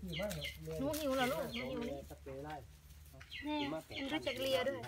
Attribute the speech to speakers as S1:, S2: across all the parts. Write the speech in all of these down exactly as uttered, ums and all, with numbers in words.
S1: หนูหิวเหรอลูกหนูหิวนี่แม่มันรู้จักเลียด้วย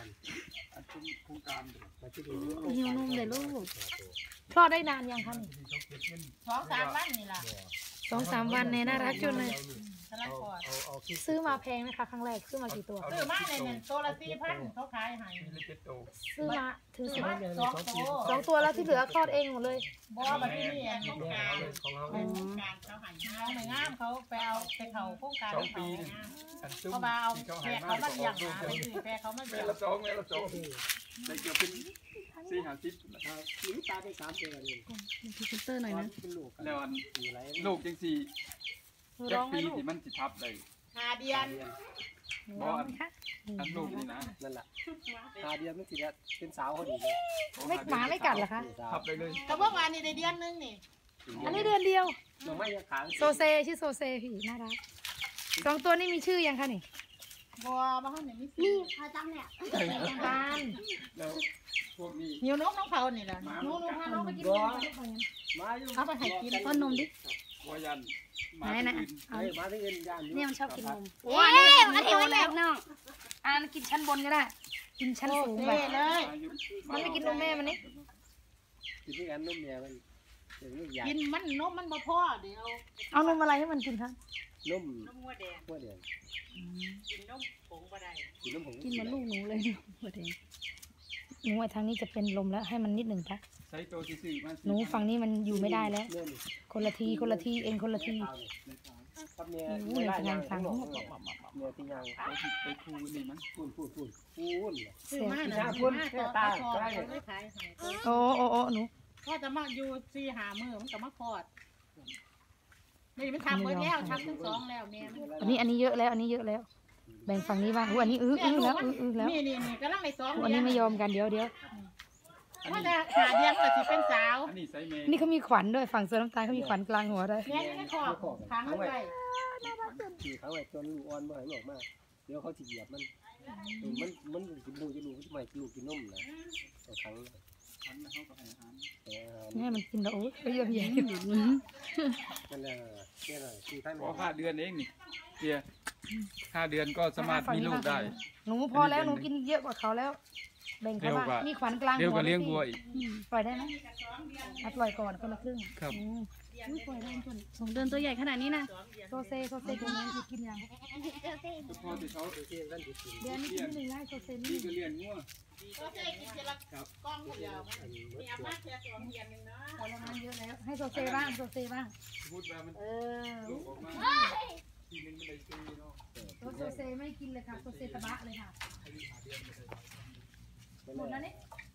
S1: หิวนมเลยลูกคลอดได้นานยังคะนี่
S2: สองสามวันนี่ล่ะ
S1: สองสามวันเนี่ยน่ารักจนเลยซื้อมาแพงนะคะครั้งแรกซื้อมากี่ตัว
S2: ซื้อมาเนี่ยตัวละสี่พันเขาขายให้
S1: ซื้อมาถึงสิบ
S2: สองตัว
S1: สองตัวแล้วที่เหลือคลอดเองหมดเลย
S2: บ่มาที่นี่โครงการโครงการเขาให้เขาไม่งามเขาไปเอาไปเขาโครงการเขาเขามาเอาแพะเขามาเลี้ยงนะแพะเขามาเลี้ยง
S3: ละสองละสองได้เกือบเป็นสี่ห้าสิบ
S4: นะครับลิ้นตาได้สามเดือนเอง
S1: พรีเซนเตอร์หน่อยนะ
S3: แล้วลูกจังสี่เจ็ดปีที่มันสิทับเลย
S2: ห้าเดือน
S3: บอลอันลูกนี่นะ
S4: นั่นแหละห้าเดือนไม่สิแล้วเป็นสาวเขาดีเลย
S1: ไม่หมาไม่กัดเหรอคะ
S3: ทับไปเลย
S2: แต่เมื่อวานนี้ได้เดือนนึงนี่
S1: อันนี้เดือนเดียว
S4: เราไม่ยังขาง
S1: โซเซชื่อโซเซพี่น่ารักสองตัวนี้มีชื่อยังคะนี่
S2: บัวบ้านไหนมี
S1: นี่เขาจำเนี่ยบ้าน
S3: แล้วพวกนี้
S2: หิวนกน้องเขานี่แหละ
S1: หนูหนูพาน้องไปกินนม
S2: เขาไปให้กิน
S1: ต้นนมดิ
S3: วายัน
S1: ไหนนะ
S4: เอ้ยมาที่เงินยัน
S1: เนี่ยมันชอบกินนมโอ้ยอันนี้มันแบบน้องอันกินชั้นบนก็ได้กินชั้นสูงไป
S2: เลย
S1: มันไม่กินนมแม่มันนี่
S4: กินที่กันนมแม่มัน
S2: กินมันนมมันมาพ่อเดี๋ยว
S1: เอานมอะไรให้มันกินคะ
S4: นม
S2: นมวัวแดง
S4: วัวแดง
S2: กินนมผงก็ได้
S4: กินนมผง
S1: กินเหมือนลูกหนูเลยวัวแดงหนูทางนี้จะเป็นลมแล้วให้มันนิดหนึ่งปะ
S3: ใช้ตัวที่สี่
S1: หนูฝั่งนี้มันอยู่ไม่ได้แล้วคนละทีคนละทีเองคนละที
S4: อู้
S1: ยจะงานฟัง
S4: เนื้อที่ยัง
S3: ไปคูนี่มั้ง
S4: พูนพูนพูนพูน
S2: ซื้อมาหน่อย
S4: พูนตาใช่
S1: โอ้โอ้โอ้หนู
S2: พ่อจะมาอยู่สี่หามือมันก็มาคลอดนี่มันทำเมื่อแล้วทำทั้งสองแล้วแม่
S1: อันนี้อันนี้เยอะแล้วอันนี้เยอะแล้วแบ่งฝั่งนี้บ้างอันนี้อื้ออื้อแล้วอื้ออื้อแล้ว
S2: นี่นี่นี่กำลังในสอง
S1: อันนี้ไม่ยอมกันเดี๋ยวเดี๋ยว
S2: ว่าจะหาเดียงเลยสิเป็นสาว
S3: อันนี้ไซเม
S1: นี่เขามีขวัญด้วยฝั่งเสือน้ำตาลเขามีขวัญกลางหัวด้วย
S2: แม่ไม่ขอบค้างไว้
S4: ขี่เขาไว้จนลูกอ่อนมาให้ออกมาเดี๋ยวเขาจะเหยียบมันมันมันกินลูกจะลูกจะไม่ลูกกินนมนะต่อครั้ง
S1: นี่มันกินแล้วโอ้ยเยอะแยะ
S4: นั่นแหละนี่แหละคือท่าน
S3: พอห้าเดือนเองนี่เดียห้าเดือนก็สามารถมีลูกได้
S1: หนูพอแล้วหนูกินเยอะกว่าเขาแล้วแบ่งเขาบ้างมีขวัญกลางหัว
S3: เดี๋ยวก็เลี้ยงวัวอีก
S1: ปล่อยได้ไหมปล่อยก่อนคนละครึ่ง
S3: ครับ
S1: ปล่อยได้คนสองเดือนตัวใหญ่ขนาดนี้นะโซเซโซเซตัวนี้กินยัง
S3: พอที่เขา
S1: เดือนนี้กินหนึ่งไร่โซเซนี่
S3: ก็เลี้ยงวัว
S2: โซเซกินเจลกล้องเดียวมีอาม่าเจอสองเดือนนึงนะ
S1: พอแล้วมันเยอะแล้วให้โซเซบ้างโซเซบ้างเออ
S3: ทีนึงไม่ได้ซื้อเนาะ
S1: โซเซไม่กินเลยค่ะโซเซตะบะเลยค่ะหมดแล้วนี่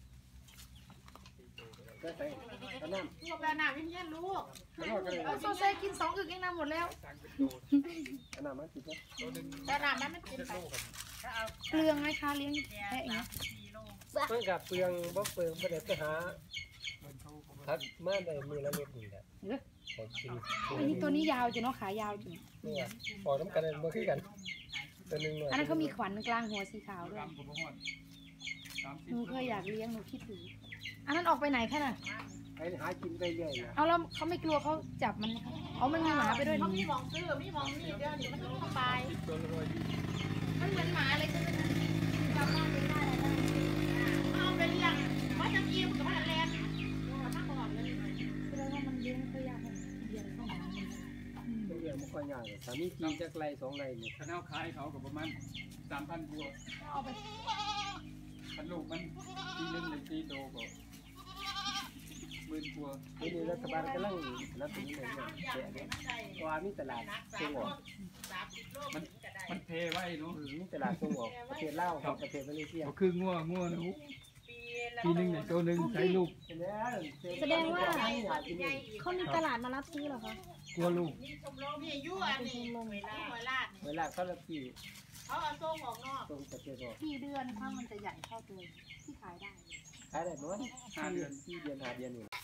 S4: ก็ใส่กระน้ำ
S2: ลูกกระน้ำยิ่งเย็นลูก
S1: โซเซกินสองอึกเองนะหมดแล้ว
S4: กระน้ำมันติดไหม
S2: กระน้ำมันไม่กินไป
S1: เปลืองไหมคะเลี้ยงแพะอย่างนี้
S4: เพื่อนกับเปลืองบ่เปลืองประเดี๋ยวไปหาทักมาได้มือละเม็ดนี่แหละ
S1: อันนี้ตัวนี้ยาวจ้ะเนาะขายาวจ้ะ
S4: เนี่ยพอน้ำกันเลยบ่คือกันตัวนึงเลย
S1: อันนั้นเขามีขวัญกลางหัวสีขาวด้วยหนูเคยอยากเลี้ยงหนูคิดถึงอันนั้นออกไปไหนคะน่ะ
S4: ไปหากินไปเรื่อย
S1: เอาแล้วเขาไม่กลัวเขาจับมันเอามันมีหมาไปด้วย
S2: เขามีมองซื้อมีมองนี่เดี๋ยวนี้มันต้องไป
S1: มันเหมือนหมาเลยคือจำบ้านไม่ได้เลย
S2: เอาไปเลี้ยงว่าจะกินกับมันแรงถ้าบอกเลย
S1: แสดงว่ามันเลี้ยงเขายากเลี้ยงเขาหา
S4: เลี้ยงไม่ค่อยยากเลยสามีกินจากไรสองไรเนี่ย
S3: ข้าวขายเขากับประมาณสามพันบัว
S1: เอาไป
S3: พันลูกมันทีนึงเลยทีโตกว่าหมื่นบัว
S4: ทีนี้รัฐบาลกำลังรับถึงเลยเนี่ยแจกเนี่ยว่ามีตลาดส่งออก
S3: มันมันเทไว้เนาะ
S4: มีตลาดส่งออกประเทศลาวประเทศมาเลเซีย
S3: คืองัวงัวนุ๊กทีนึงเนี่ยตัวนึงใช้ลูก
S1: แสดงว่าเขามีตลาดมารับซื้อหรอคะ
S3: กลัวลูก
S2: นี่ยั่วนี่เวลาเวลา
S4: เวลาเขาละกี่
S2: เขาเอาส่งออกนอก
S4: ส่งประเทศออก
S1: สี่เดือนถ้ามันจะใหญ่เท่าตัวที่ขายได้
S4: ขายได้หมดห้าเดือนสี่เดือนห้าเดือนนี่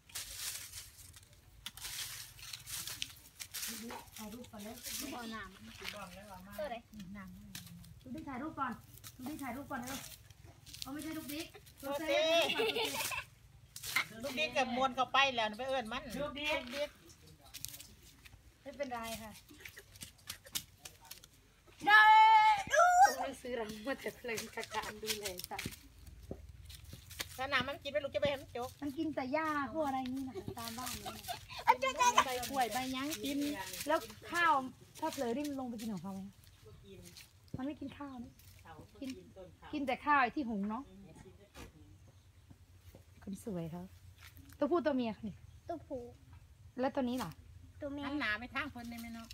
S1: ถ่ายรูปก่อนเลยดูเอาหนังเออเลยหนังดูดิถ่ายรูปก่อนดูดิถ่ายรูปก่อนเลยเอาไม่ใช่ลูกดิ๊ก
S2: ลูกดิ๊กลูกดิ๊กกับมวนเข้าไปแล้วไปเอิ้นมันลูกดิ๊ก
S1: ไม่เป็นไรค่ะเราเมื่อแต่เพลินกับการดูแลสัตว์
S2: ถ้าน้ำมันกินไปลูกจะไปเห็นโจ๊ก
S1: มันกินแต่หญ้าพวกอะไรนี่นะตามบ้านนี่
S2: ใบกล้วยใบยังกิน
S1: แล้วข้าวถ้าเผลอนี่มันลงไปกินของเขาไหมมันไม่กินข้าวนะกินกินแต่ข้าวไอ้ที่หุงเนาะคนสวยเขาตัวผู้ตัวเมียเขาเนี่ย
S5: ตัวผู้
S1: แล้วตัวนี้ล่ะ
S5: ตัวแม่
S2: อันหนาไปทางคนได้ไหมเนาะ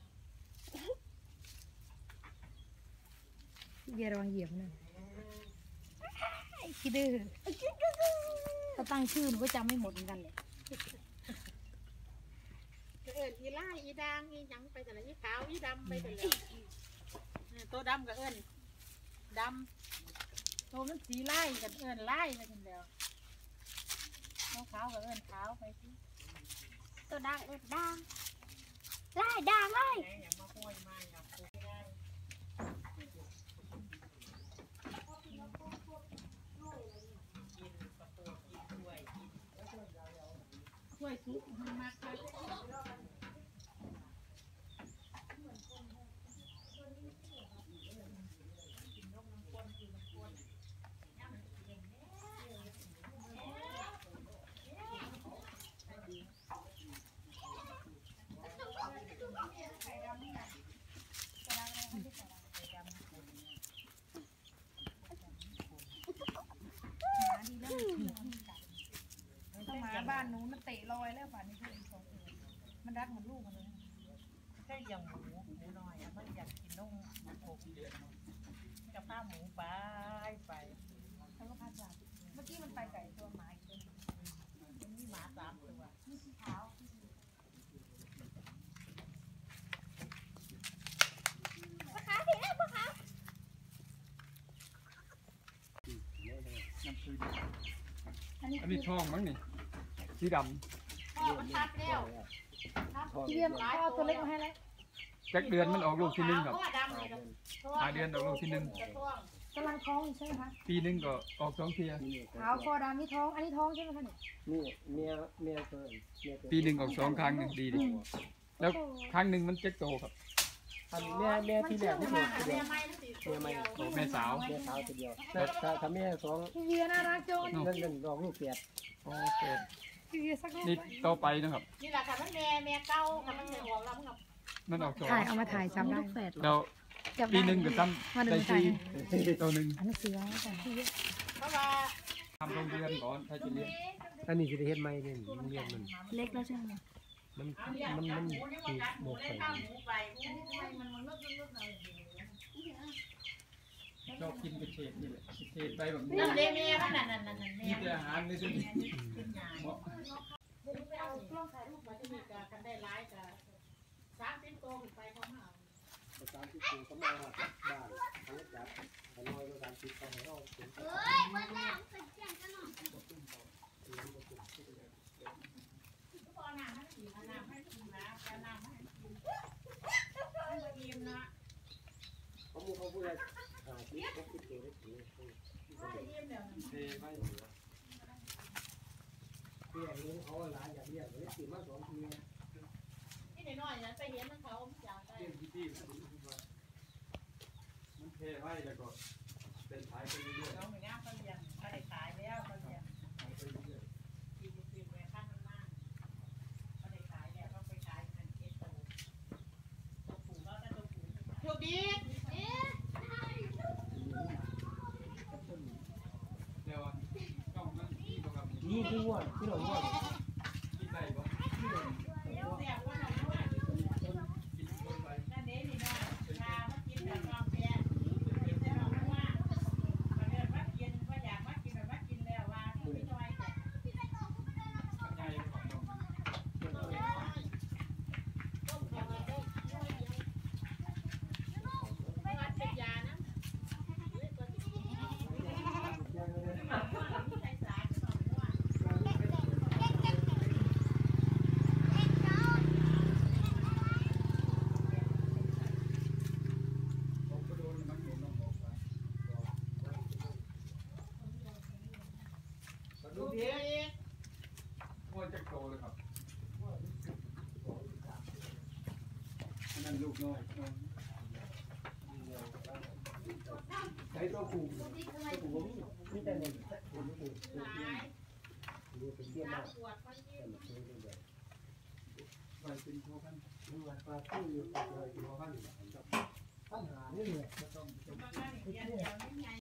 S1: เบียร์ระวังเหยียบหน่อยไอ้ขี้ดื้อถ้าตั้งชื่อมันก็จำไม่หมดเหมือนกันเลย
S2: เอิญอีล่าอีด่างอีหยังไปแต่ละอีขาวอีดำไปแต่ละตัวดำกับเอิญดำตัวมันสีไล่กับเอิญไล่ไปกันแล้วตัวขาวกับเอิญขาวไปที่
S5: ตัวด่างเอ็ดด่างไล่ด่างไล่
S2: อย่ามาห้อยมาอย่าพูดได้กล้วยซุปมันมากเลย
S1: ถ้าหมาบ้านนู้นมันเตะลอยแล้วป่านนี้เพื่อนสองตัวมันรักเหมือนลูกมันเลย
S2: แค่อย่างหมูหมูน้อยอ่ะมันอยากกินนมหกเดือนกับข้าวหมูไปไป
S1: แล้วก็พาจับเมื่อกี้มันไปไก่ตัวหมาอีกตัวนึง
S2: มันมีหมาสามตัว
S1: นี่สีขาวอันนี้
S3: อันนี้ช่องมั้งนี่สีด
S2: พ่อมันชัดแล้ว
S1: พี่เบียร์พ่อตัวเล็กมาให้แล้ว
S3: ำจักเดือนมันออกลูกที่หนึ่งครับ
S2: พ่อดำเลย
S3: หาเดือนออกลูกที่หนึ่ง
S1: กำลังท้องอยู่ใช่ไหมคะ
S3: ปีหนึงก็ออกสองเทีย
S1: ขาวคอดำนี่ท้องอันนี้ท้องใช่ไหมคะเนี่ย
S4: นี่เมียเมียตัวเมียตัว
S3: ปีหนึ่งออกสองครั้งหนึ่งดีดิแล้วครั้งหนึ่งมันเจ็ดโตครับ
S4: อันแม่แม่ที่แรกที่ถูกตัวเดียว
S2: ไม่ไม่สิ
S4: แม่ไม่
S3: โตแม่สาว
S4: แม่สาวตัวเดียวถ้าถ้าถ้าแม่สอง
S1: พี่เบียร์น่ารักจัง
S4: นั่นนั่นดอกลูกแฝด
S3: โอเค
S1: พี่เบียร์สักรูป
S3: นี่ต่อไปนะครับ
S2: นี่แหละค่ะมันแม่แม่เก้าค่ะมันแม่หัวเรากับ
S3: มันออกสอง
S1: ถ่ายเอามาถ่ายจำได้
S3: แล้วปีหนึ่งก็ซ้
S1: มา
S3: ำ
S1: ดู
S3: ได้
S1: ถ่าย
S3: สี่ตัวหนึ่ง
S1: อันนี้ซื้อแล้วแต่พี่เบียร์
S2: เพราะว่า
S3: ทำโรงเรียนก่อนถ้าจะเรียน
S4: อันนี้สิได้เฮ็ดใหม่เนี่ยเรียนมัน
S1: เล็กแล้วใช่ไหม
S4: มัน
S2: เอาเรียก
S4: มัน
S2: กั
S4: มั
S2: บ
S4: น
S2: หมูนี่
S4: สิ
S2: ว่ากัดหมู
S4: บ่
S2: ได้
S4: ค่อย
S2: ข้าว
S4: ดี
S2: หมูไปทำไมมันมันลดลดลดหน่อย
S3: ชอบกินกระเฉดนี่แหละกระเฉดไปแบบนี้
S2: นั่นเด้แม่มันนั่นนั่นนั่นนั่นแม่
S3: กินแต่อาหารเลยสิ
S2: ขึ้นยายเอากล้องถ่ายรูปมาที่นี่กันได้ไลฟ์กันสามสิบโตขึ้นไปเขามาเอา
S4: สามสิบปีก็มาหาบ้านเขาจัดเขาน้อยก็สามสิบเขาให้เราเป็น
S5: เฮ้ยมันด่างเป็นเสียงกันหน่อย
S2: ก็เอาน้ำให้กินเอาน้ำให้กินนะเอาน้ำให้กินให้กินนะ
S4: เขาพูดเขาพูดอะไรอ่าที่เขาคิดเองได้ถึง
S2: ให้กินเดี๋ยว
S3: เทไม่
S4: เพื่อนเลี้ยงเขาหลานอยากเลี้ยงเลยตื่นมาสองทีนะ
S2: นี่น้อยๆนะไปเห็นมันเขาอยากได้
S3: เรื่องที่ที่มันเทไว้แล้วก็เป็นขายไปเรื่อย
S2: น้องหนึ่งอ่ะเขาเลี้ยงเขาได้ขายแล้วเขาเลี้ยง
S3: ๆขายไปเรื่อย
S2: กินกินแม่ข้างมันมากเขาได้ขายแล้วเขาไปขายเงินเอสโตตัวผูเขาได้ตัวผูโชคดี
S5: เอ๊ะ
S3: ๆแล้วต้องมันที่ประกับ
S4: นี่คือว่าที่เราว่า
S3: ที่ใส่บ่
S2: เดี๋ยวเสียว่าเราด้วย
S3: กินคนไป
S2: นั่นเด้นี่น้อยชามากินแบบความแย่กินแต่เราไม่ว่ามาเดินมากินว่าอยากมากินแบบมากินแล้วว่าไม่น้อยแต่
S3: ใหญ่ของเรา
S2: ต้มกับต้มไม่ว่าเป็นยานะใส่สารสองว่า
S3: ผมก็โดนมันโดนน้องบอกไป
S2: ดูดี
S3: โคตรจะโตเลยครับอันนั้นลูกน้อย
S4: ใช้ตัวผูกตัวผูกมีมีแต่เนี่ยผมไม่ผูกตัวเทียมดูเป็นเทียมมากแต่มันช่วยได้แบบไปเป็นพอพันเมื่อปลาตู้อยู่เลยพอพันปัญหาเนี่ยเนี่ยต้องต้อง